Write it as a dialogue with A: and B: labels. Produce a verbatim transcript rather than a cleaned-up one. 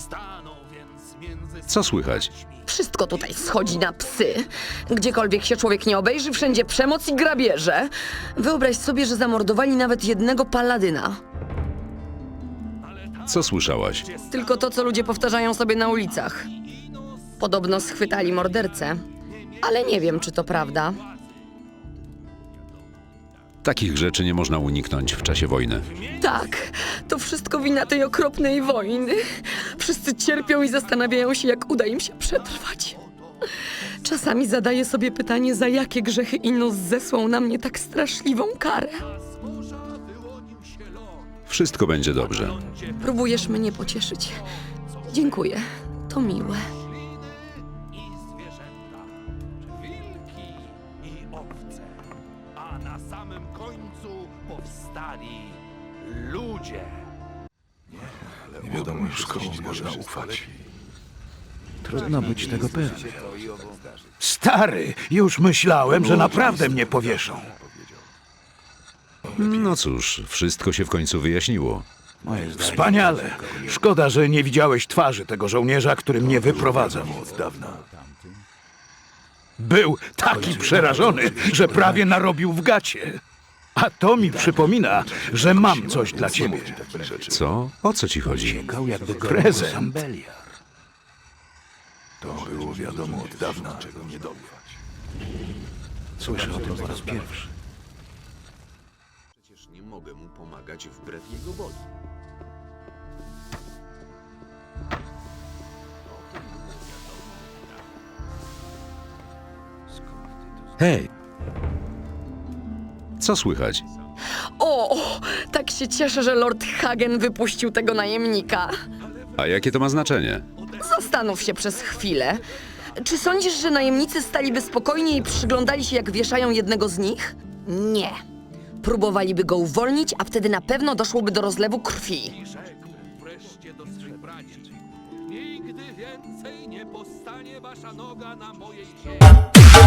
A: Co słychać?
B: Wszystko tutaj schodzi na psy. Gdziekolwiek się człowiek nie obejrzy, wszędzie przemoc i grabieże. Wyobraź sobie, że zamordowali nawet jednego paladyna.
A: Co słyszałaś?
B: Tylko to, co ludzie powtarzają sobie na ulicach. Podobno schwytali mordercę, ale nie wiem, czy to prawda.
A: Takich rzeczy nie można uniknąć w czasie wojny.
B: Tak, to wszystko wina tej okropnej wojny. Wszyscy cierpią i zastanawiają się, jak uda im się przetrwać. Czasami zadaję sobie pytanie, za jakie grzechy Inos zesłał na mnie tak straszliwą karę.
A: Wszystko będzie dobrze.
B: Próbujesz mnie pocieszyć. Dziękuję, to miłe.
C: Wilki i owce, a na samym końcu powstali ludzie.
D: Nie wiadomo już komu można ufać.
E: Trudno być tego pewnym.
D: Stary, już myślałem, że naprawdę mnie powieszą.
A: No cóż, wszystko się w końcu wyjaśniło.
E: Moje zdanie.
D: Wspaniale. Szkoda, że nie widziałeś twarzy tego żołnierza, który mnie wyprowadzał od dawna. Był taki przerażony, że prawie narobił w gacie. A to mi przypomina, że mam coś dla ciebie.
A: Co? O co ci chodzi?
E: Sięgał jakby go
D: Prezent.
E: Sambeliar.
D: To było wiadomo od dawna, czego nie dobywać.
E: Słyszę o tym po raz pierwszy.
F: Przecież nie mogę mu pomagać wbrew jego woli.
A: Hej! Co słychać?
B: O, tak się cieszę, że Lord Hagen wypuścił tego najemnika.
A: A jakie to ma znaczenie?
B: Zastanów się przez chwilę. Czy sądzisz, że najemnicy staliby spokojnie i przyglądali się, jak wieszają jednego z nich? Nie. Próbowaliby go uwolnić, a wtedy na pewno doszłoby do rozlewu krwi.
C: Rzekł wreszcie do swych braci. Nigdy więcej nie postanie wasza noga na mojej ziemi.